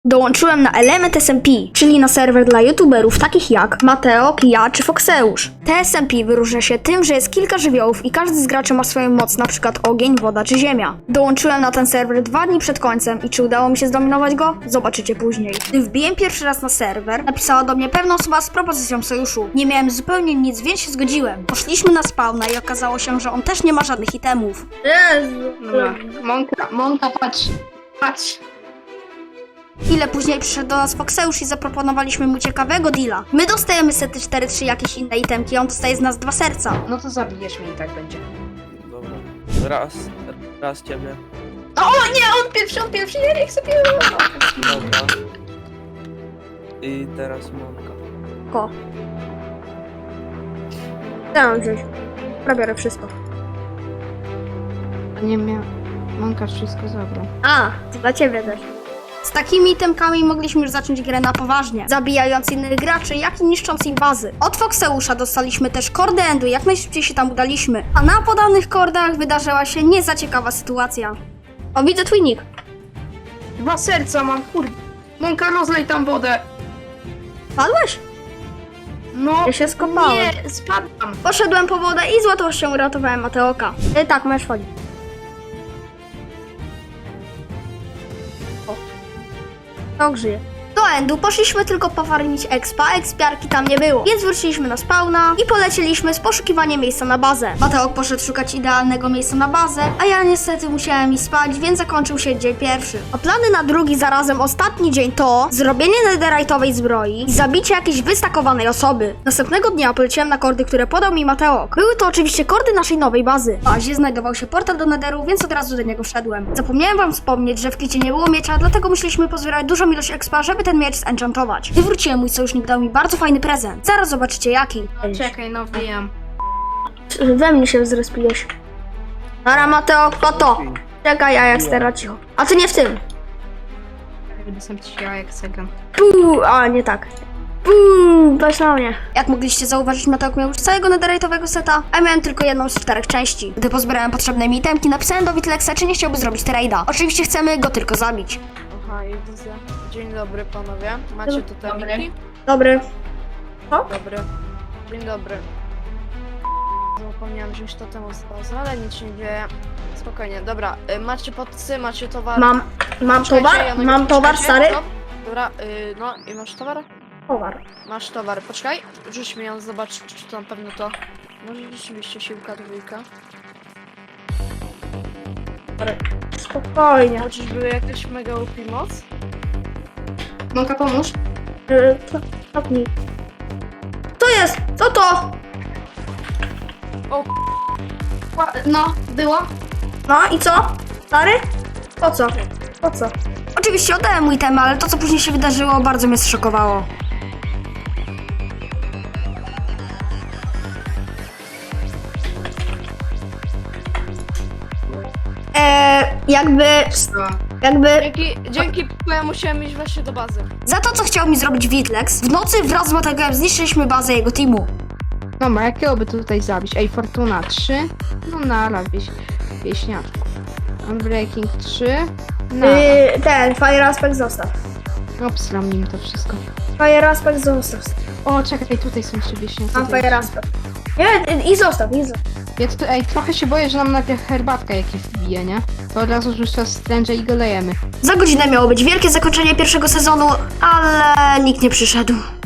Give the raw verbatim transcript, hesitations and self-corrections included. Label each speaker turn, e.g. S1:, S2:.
S1: Dołączyłem na Element S M P, czyli na serwer dla youtuberów takich jak Mateo, ja czy Foxeusz. T S M P wyróżnia się tym, że jest kilka żywiołów i każdy z graczy ma swoją moc, np. ogień, woda czy ziemia. Dołączyłem na ten serwer dwa dni przed końcem i czy udało mi się zdominować go? Zobaczycie później. Gdy wbiłem pierwszy raz na serwer, napisała do mnie pewna osoba z propozycją sojuszu. Nie miałem zupełnie nic, więc się zgodziłem. Poszliśmy na spawna i okazało się, że on też nie ma żadnych itemów.
S2: Jezu.
S3: Dobra. Monka, Monka, patrz. Patrz.
S1: Chwilę później przyszedł do nas Foxeusz i zaproponowaliśmy mu ciekawego deala. My dostajemy sety cztery trzy jakieś inne itemki, a on dostaje z nas dwa serca.
S3: No to zabijesz mnie i tak będzie.
S4: Dobra. Raz, raz ciebie.
S3: O nie, on pierwszy, on pierwszy, ja nie chcę pierwszy.
S4: Dobra. I teraz Monka.
S1: Ko. Chciałam wziąć. Prawie wszystko.
S3: Nie miał. Monka wszystko zabrał.
S1: A, to dla ciebie też. Z takimi itemkami mogliśmy już zacząć grę na poważnie, zabijając innych graczy, jak i niszcząc ich bazy. Od Foxeusza dostaliśmy też kordy endu, jak najszybciej się tam udaliśmy. A na podanych kordach wydarzyła się nie za ciekawa sytuacja. O, widzę twój nick.
S3: Dwa serca mam, kurde. Monka, rozlej tam wodę.
S1: Padłeś?
S3: No.
S1: Ja się skopałem.
S3: Nie, spadam.
S1: Poszedłem po wodę i z łatwością uratowałem Mateoka. E, tak, możesz wchodzić. To żyje. Do endu poszliśmy tylko pofarmić expa, expiarki tam nie było, więc wróciliśmy na spawna i polecieliśmy z poszukiwaniem miejsca na bazę. Mateok poszedł szukać idealnego miejsca na bazę, a ja niestety musiałem iść spać, więc zakończył się dzień pierwszy. A plany na drugi, zarazem ostatni dzień to zrobienie netherite'owej zbroi i zabicie jakiejś wystakowanej osoby. Następnego dnia poleciłem na kordy, które podał mi Mateok. Były to oczywiście kordy naszej nowej bazy. W bazie znajdował się portal do netheru, więc od razu do niego wszedłem. Zapomniałem wam wspomnieć, że w klicie nie było miecza, dlatego musieliśmy pozbierać dużą ilość expa, żeby ten miecz zenchantować. Gdy wróciłem, mój sojusznik dał mi bardzo fajny prezent. Zaraz zobaczycie jaki.
S3: Czekaj, no wiem.
S1: We mnie się zrespiłeś. Dobra, Mateo, po to. Czekaj, a jak stara cicho. A ty nie w tym.
S3: Będę sam ci jak cegan.
S1: Puu, a nie tak. Puu, weź na mnie. Jak mogliście zauważyć, Mateok miał już całego netherite'owego seta, a ja miałem tylko jedną z czterech części. Gdy pozbierałem potrzebne mi itemki, napisałem do Witlexa, czy nie chciałby zrobić trade'a. Oczywiście chcemy go tylko zabić.
S2: Aha, i widzę. Dzień dobry panowie. Macie tu temiki?
S1: Dobry.
S2: Dobry. Dzień dobry. Zapomniałam wziąć to temu z bazy, ale nic się nie dzieje. Spokojnie, dobra. Y, macie podcy, macie towar.
S1: Mam, mam
S2: Czekajcie,
S1: towar,
S2: Janek,
S1: mam towar,
S2: poczekajcie.
S1: stary.
S2: No, dobra, y, no i masz towar?
S1: Towar.
S2: Masz towar, poczekaj. Rzuć mi ją, zobacz, czy to na pewno to. Może rzeczywiście siłka dwójka.
S1: Spokojnie.
S2: Chociaż były jakieś mega U P moc?
S3: Monka, pomóż.
S1: Yy, Stopnij. Co jest? Co to?
S3: Ła- No, było.
S1: No i co? Stary? Po co? Po co? Oczywiście oddałem mój temat, ale to co później się wydarzyło bardzo mnie zszokowało. Eee, jakby, jakby
S2: Dzięki, dzięki, bo ja musiałem iść właśnie do bazy.
S1: za to co chciał mi zrobić Witlex, w nocy wraz z Matekiem zniszczyliśmy bazę jego teamu.
S3: Dobra, jakiego by tutaj zabić? Ej, Fortuna trzy. No nara, wieś, wieśniaczku. Unbreaking trzy. Nara.
S1: Yy, ten, Fire Aspect zostaw.
S3: Obsram nim to wszystko.
S1: Fire Aspect zostaw.
S3: O, czekaj, tutaj są jeszcze wieśniacy.
S1: Mam Fire Aspect. Nie, i zostaw, i zostaw.
S3: Ja tu, ej, trochę się boję, że nam najpierw herbatka jakieś wbije, nie? To od razu rzucę stręże i go lejemy.
S1: Za godzinę miało być wielkie zakończenie pierwszego sezonu, ale nikt nie przyszedł.